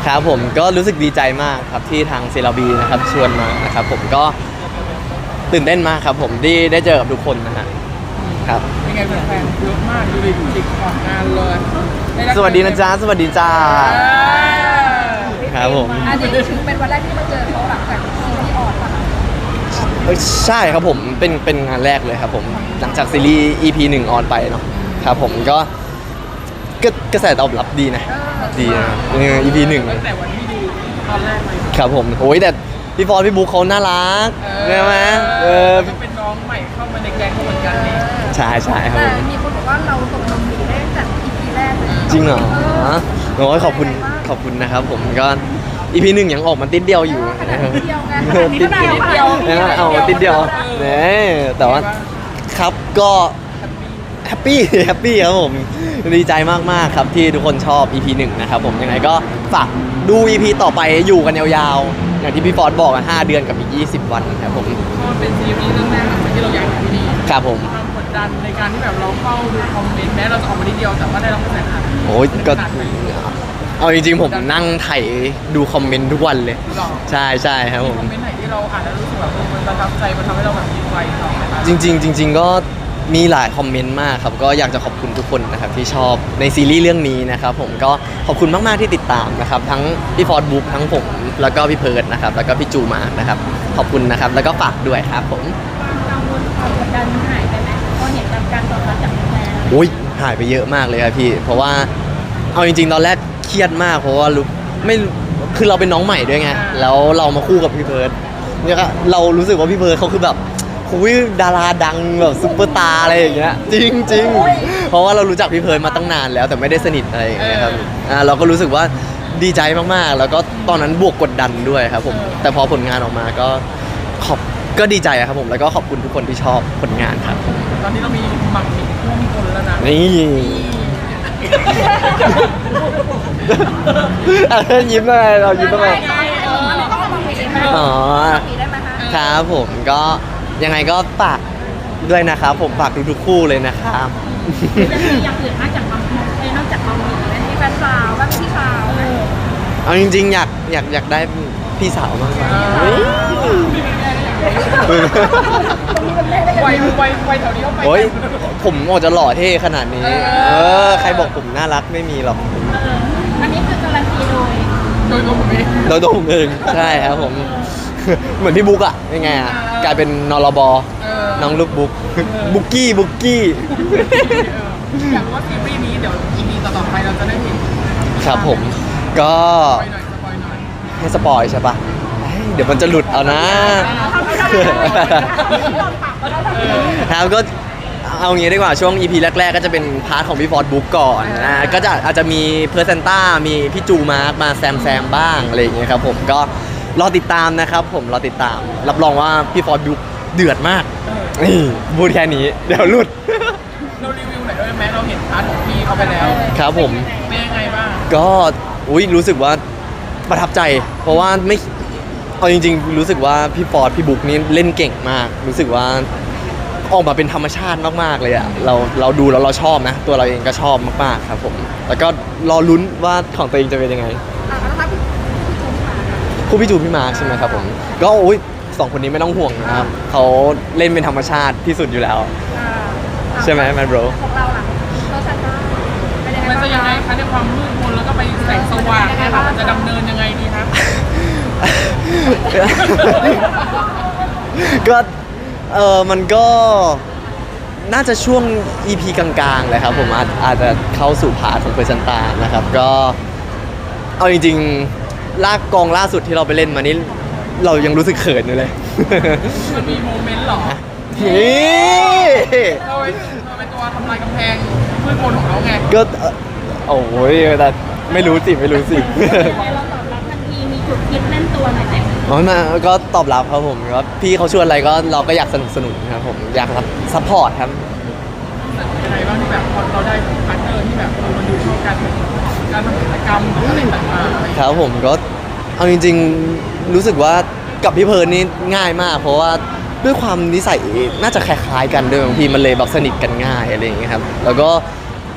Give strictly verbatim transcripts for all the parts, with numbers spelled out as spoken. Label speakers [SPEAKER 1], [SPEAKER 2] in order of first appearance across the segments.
[SPEAKER 1] ครับผมก็รู้สึกดีใจมากครับที่ทางเซราบีนะครับชวนมานะครับผมก็ตื่นเต้นมากครับผมที่ได้เจอกับทุกคนนะฮะครับ
[SPEAKER 2] ยังไงแฟนๆเยอะมากดูดิติดขอบงานเลย
[SPEAKER 1] สวัสดีนะจ๊ะสวัสดีจ้าครับผม
[SPEAKER 3] อันนี้ถือเป็นวันแรกที่มาเจอเขาหลังจากซีรีส์ออนป่ะ
[SPEAKER 1] ใช่ครับผมเป็นเป็นงานแรกเลยครับผมหลังจากซีรีส์ อี พี หนึ่งออนไปเนาะครับผมก็กระแสตอบรับดีนะดีนะ อี พี หนึ่ง
[SPEAKER 2] ตั้งแต่วันที่ดูตอนแรกเลย
[SPEAKER 1] ครับผมโอ้ยแต่พี่ฟอร์พี่บุ๊คเขาน่ารักใช่ไหมเออ
[SPEAKER 2] เป็นน้องใหม่เข้ามาในแก๊งเหมือนกันนี่
[SPEAKER 1] ใช่ใช่ครับ
[SPEAKER 3] แต่มีคนบอกว่าเราตกลงดีได้จาก อี พี แรกเลย
[SPEAKER 1] จริงเหรอโอ้ยขอบคุณขอบคุณนะครับผมก็ อี พี หนึ่งยังออกมาติดเดียวอยู่นะครับ
[SPEAKER 3] ติดเดียวไง
[SPEAKER 1] ติดเดียวนะเอาติดเดียวเนี่ยแต่ว่าครับก็แฮปปี้แฮปปี้ครับผมดีใจมากๆครับที่ทุกคนชอบ อี พี หนึ่งนะครับผมยังไงก็ฝากดู อี พี ต่อไปอยู่กันยาวๆอย่างที่พี่ฟอร์ดบอกห้าเดือนกับอีกยี่สิบวันครับผม
[SPEAKER 2] ก็เป็นซีรีส์เรื่องแรกที่เราอยากทำดี
[SPEAKER 1] ครับผม
[SPEAKER 2] ความกดดันในการที่แบบเราเข้าดูคอมเมนต์แม้เราจะออกมาทีเดียวแต่ว่าได้รับกระแสขนาด
[SPEAKER 1] โอ้ยก็เอาจริงๆผมนั่งไถดูคอมเมนต์ทุกวันเลยใช่ใช่ครับผม
[SPEAKER 2] คอมเมนต์ไหนที่เราอ่านแล้วรู้สึกแบบมันประทับใจมันทำให้เราแบบยิ้มไวต่อไหมครับ
[SPEAKER 1] จริงๆจริงๆก็มีหลายคอมเมนต์มากครับก็อยากจะขอบคุณทุกคนนะครับที่ชอบในซีรีส์เรื่องนี้นะครับผมก็ขอบคุณมากๆที่ติดตามนะครับทั้งพี่ฟอร์ดบุ๊กทั้งผมแล้วก็พี่เพิร์ดนะครับแล้วก็พี่จูมาร์กนะครับขอบคุณนะครับแล้วก็ฝากด้วยครับผม
[SPEAKER 3] กังวลความกดดันหายไปไหมพอเห็นการตอบรับจากแฟน
[SPEAKER 1] โอ้ยหายไปเยอะมากเลยครับพี่เพราะว่าเอาจริงๆตอนแรกเครียดมากเพราะว่ารู้ไม่คือเราเป็นน้องใหม่ด้วยไงแล้วเรามาคู่กับพี่เพิร์ดเนี่ยเรารู้สึกว่าพี่เพิร์ดเขาคือแบบคุยดาราดังแบบซุปเปอร์สตาร์อะไรอย่างเงี้ยจริงจริงเพราะว่าเรารู้จักพี่เพิร์ดมาตั้งนานแล้วแต่ไม่ได้สนิทอะไรอย่างเงี้ยครับอ่าเราก็รู้สึกว่าดีใจมากๆแล้วก็ตอนนั้นบวกกดดันด้วยครับผมแต่พอผลงานออกมาก็ขอบก็ดีใจครับผมแล้วก็ขอบคุณทุกคนที่ชอบผลงานครับ
[SPEAKER 2] ตอนนี้เรามีหมักหมี่ท่วมคนแล้วนะ
[SPEAKER 1] นี่ยิ้มอะไรเรายิ้มอะไรอ๋อครับผมก็ยังไงก็ฝากด้วยนะครับผมฝากทุกๆคู่เลยนะครับ
[SPEAKER 3] อยากอื่นนอกจากมังนอกจากมังมีไหมมีแฟนสาวบ้างพี่สาวไหม
[SPEAKER 1] เอาจริงๆอยากอยากอยากได้พี่สาวมากกว่า
[SPEAKER 2] ไวไวไวแถวนี้เขาไป
[SPEAKER 1] โอ้ยผมออกจะหล่อเท่ขนาดนี้เออใครบอกผมน่ารักไม่มีหรอก
[SPEAKER 3] อันนี้คือการันตีโดย
[SPEAKER 2] โดยตัวผมเอง
[SPEAKER 1] โดยตัวผมเองใช่ครับผมเหมือนพี่บุ๊กอะยังไงอะกลายเป็นนรบน้องลูกบุ๊กบุ๊กกี้บุ๊กกี้
[SPEAKER 2] อยากรู้ว่าซีรีส์นี้เดี๋ยว อี พี ต่อๆไปเราจะได้เห็น
[SPEAKER 1] ครับผมก็ให้สปอยใช่ปะเดี๋ยวมันจะหลุดเอานะครับก็เอางี้ดีกว่าช่วง อี พี แรกๆก็จะเป็นพาร์ทของพี่ฟอร์ดบุ๊กก่อนนะก็จะอาจจะมีเพอร์เซนต้ามีพี่จูมาร์กมาแซมแซมบ้างอะไรอย่างเงี้ยครับผมก็รอติดตามนะครับผมรอติดตามรับรองว่าพี่ฟอร์ดบุ๊กเดือดมากนี่พูดแค่นี้เดี๋ยวหลุด
[SPEAKER 2] เรารีวิวหน่อยได้ไหมเราเห็นพาร์ทของพี่เขาไปแล้ว
[SPEAKER 1] ครับผม
[SPEAKER 2] เป็นยังไงบ้าง
[SPEAKER 1] ก็อุ้ยรู้สึกว่าประทับใจเพราะว่าไม่เอาจริงๆรู้สึกว่าพี่ฟอร์ดพี่บุ๊กนี่เล่นเก่งมากรู้สึกว่าออกมาเป็นธรรมชาติมากๆเลยอะเราเราดูแล้วเราชอบนะตัวเราเองก็ชอบมากๆครับผมแล้วก็รอลุ้นว่าของตัวเองจะเป็นยังไงคู่พี่จูพี่มาร์คใช่ไหมครับผมก็อุ้ยสองคนนี้ไม่ต้องห่วงนะครับเขาเล่นเป็นธรรมชาติที่สุดอยู่แล้วใช่ไหมแมนโบร
[SPEAKER 3] ของเราล่ะเราชัดว่า
[SPEAKER 2] มันจะยังไงคะในความมืดมนแล้วก็ไปแสงสว่างนะคะจะดำเนินยังไงดีคะ
[SPEAKER 1] ก็เออมันก็น่าจะช่วง อี พี กลางๆเลยครับผมอาจอาจจะเข้าสู่พาร์ทของเพอร์เซนต้านะครับก็เอาจริงๆลากกองล่าสุดที่เราไปเล่นมานี่เรายังรู้สึกเขินอยู่เลย
[SPEAKER 2] มันมีโมเมนต์หรอ
[SPEAKER 1] นี่
[SPEAKER 2] เราเป็นตัวทำลายกำแพงมืดมนของเราไง
[SPEAKER 1] ก็โอ้ยแต่ไม่รู้สิไม่รู้สิ
[SPEAKER 3] เราตอบรับทันทีมีจุดคิดแน่นตัวหน่อยไหม
[SPEAKER 1] อ๋อมาก็ตอบรับครับผมก็พี่เขาชวนอะไรก็เราก็อยากสนับสนุนครับผมอยากซัพพอร์ตครับ
[SPEAKER 2] ยังไงบ้างที่แบบเราได้พาร์ทเนอร์ที่แบบมันดูช่วยกันการทำกิจกรรมอะไรต่างๆ
[SPEAKER 1] ครับผมก็เอาจริงๆรู้สึกว่ากับพี่เพิร์นนี่ง่ายมากเพราะว่าด้วยความนิสัยน่าจะคล้ายๆกันด้วยบางทีมันเลยแบบสนิทกันง่ายอะไรอย่างเงี้ยครับแล้วก็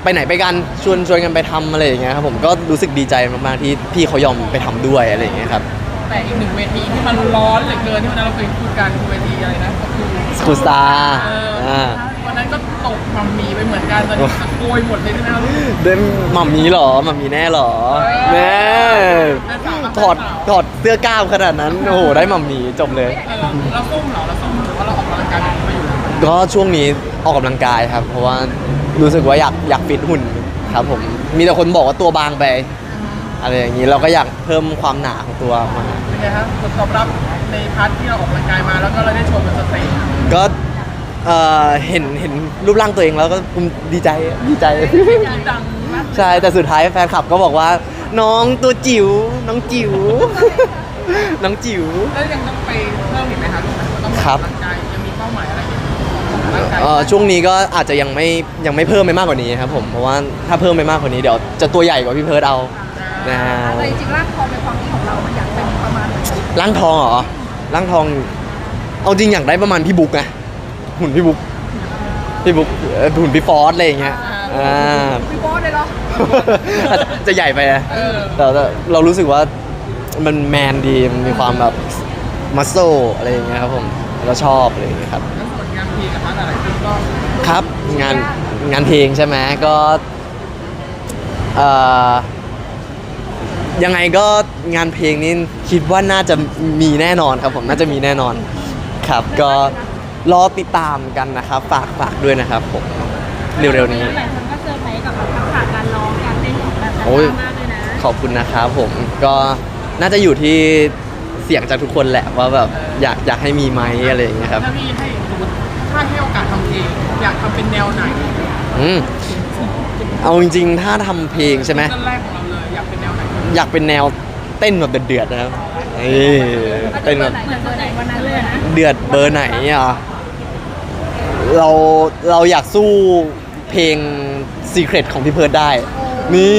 [SPEAKER 1] ไปไหนไปกันชวนชวนกันไปทำอะไรอย่างเงี้ยครับผมก็รู้สึกดีใจมากๆที่พี่เขายอมไปทำด้วยอะไรอย่างเงี้ยครับ
[SPEAKER 2] แต่อีกหนึ่งเวทีที่มันร้อนเหลือเกินที่วันนั้นเราเคยพูดกันคือเวทีอะไรนะก็คือ
[SPEAKER 1] สกูสตาร์
[SPEAKER 2] เออ
[SPEAKER 1] อ่า
[SPEAKER 2] วันนั้นก็ตกมัมมี่ไปเหมือนกันตอนนี้โกยหมดเลยใช่ไหมครับ
[SPEAKER 1] เดินหม่ำมีเหรอหม่ำมีแน่เหรอแม่ถอดถอดเสื้อกล้ามขนาดนั้นโอ้โหได้หม่ำมีจบเลย
[SPEAKER 2] เออเราส้มเหรอเราส้มหรือว่าเราออกกำลังกายแบบนี้มาอยู่แล้ว
[SPEAKER 1] ก็ช่วงนี้ออกกำลังกายครับ เพราะว่ารู้สึกว่าอยากอยากฟิตหุ่นครับผมมีแต่คนบอกว่าตัวบางไปอะไรอย่างนี้เราก็อยากเพิ่มความหนาของตัวมา
[SPEAKER 2] เป็นไงครับผลตอบรับในพาร์ทที่เราออกกำลังกายมาแล้วก็เราได้โชว์บนสเตจ
[SPEAKER 1] ก็เอ่อเห็นเห็นรูปร่างตัวเองแล้วก็ภูมิดีใจดีใจ
[SPEAKER 2] ดังมาก
[SPEAKER 1] ใช่แต่สุดท้ายแฟนคลับก็บอกว่า น้องตัวจิ๋วน้องจิ๋ว น้องจิ๋ว
[SPEAKER 2] แล้วยังต้องไปเพิ่มอีกไหมครับต้องออก
[SPEAKER 1] ครับ
[SPEAKER 2] กำลังกายยังมีเป้าหมายอะไรอีกร่างกาย
[SPEAKER 1] เอ่อช่วงนี้ก็อาจจะยังไม่ยังไม่เพิ่มไปมากกว่านี้ครับผมเพราะว่าถ้าเพิ่มไปมากกว่านี้เดี๋ยวจะตัวใหญ่กว่าพี่เพิร์ดเอานะ
[SPEAKER 3] แต่จริงๆร่างทองเป็นความคิดของเรามันอยากเป็นประมาณไหน
[SPEAKER 1] ร่างทองเหรอร่างทอง เอาจริงอยากได้ประมาณพี่บุ๊กนะหุ่นพี่บุ๊กพี่บุ๊กเอ่อหุ่นพี่ฟอสอะไรอย่างเงี้ยอ่า
[SPEAKER 3] พี่โบ๊ทเลยเหรอ
[SPEAKER 1] อาจจะจะใหญ่ไปนะ
[SPEAKER 2] เออ
[SPEAKER 1] แต่แต่เรารู้สึกว่ามันแมนดีมันมีความแบบมัสโซอะไรอย่างเงี้ยครับผมเราชอบอะไรอย่างเงี้ยครับ
[SPEAKER 2] แล้วส่วนงานเพลงนะครับหลายๆคนก็
[SPEAKER 1] ครับงานงานเพลงใช่ไหมก็เอ่อยังไงก็งานเพลงนี้คิดว่าน่าจะมีแน่นอนครับผมน่าจะมีแน่นอนครับก็รอติดตามกันนะครับฝากฝากด้วยนะครับผมเร็วๆนี้
[SPEAKER 3] หลายคนก็เซอร์ไพรส์กับแบบทักษะการร้องการเต้นของแบบ
[SPEAKER 1] โอ้ย
[SPEAKER 3] มากเลยนะ
[SPEAKER 1] ขอบคุณนะครับผมก็น่าจะอยู่ที่เสียงจากทุกคนแหละว่าแบบอยากอยากให้มีไหมอะไรอย่างเงี้ยครับ
[SPEAKER 2] ถ้าพี่ให้สมมติถ้าให้โอกาสทำเพลงอยากทำเป็นแนวไหน
[SPEAKER 1] อืมเอาจริงๆถ้าทำเพลงใช่ไหม
[SPEAKER 2] ต้นแรกของเราเลยอยากเป็นแนวไหน
[SPEAKER 1] อยากเป็นแนวเต้นแบบเดือดๆนะครับเอ้ยเต้นแบบ
[SPEAKER 3] เหมือนเบอร์ไหนวันนั้นเลยนะ
[SPEAKER 1] เดือดเบอร์ไหนอ่ะเราเราอยากสู้เพลง Secret ของพี่เพิร์ดได้ นี่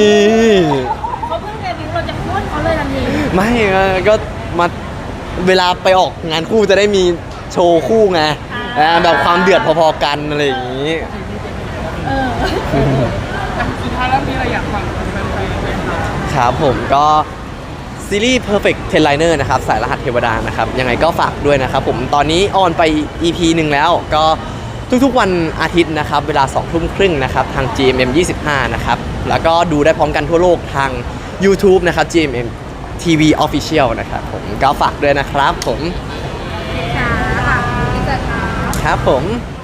[SPEAKER 3] เขาเพิ่งเดบิวต์เราจะโค่นเขาเลยทันที
[SPEAKER 1] ไม่เออก็มาเวลาไปออกงานคู่จะได้มีโชว์คู่ไงอ่าแบบความเดือดพอๆกันอะไรอย่างนี้
[SPEAKER 3] เออ
[SPEAKER 2] แต่สุดท้ายแล้วมีอะไรอยากฟังแฟนๆไหมครับ
[SPEAKER 1] ครับผมก็ซีรีส์ Perfect Ten Liner นะครับสายรหัสเทวดานะครับยังไงก็ฝากด้วยนะครับผมตอนนี้ออนไป อี พี หนึ่งแล้วก็ทุกๆวันอาทิตย์นะครับเวลาสองทุ่มครึ่งนะครับทาง จี เอ็ม เอ็ม ยี่สิบห้านะครับแล้วก็ดูได้พร้อมกันทั่วโลกทาง YouTube นะครับ จี เอ็ม เอ็ม ที วี Official นะครับผมก็ฝากด้วยนะครับผม
[SPEAKER 3] ค่ะค่ะที่จะค่ะ
[SPEAKER 1] ครับผม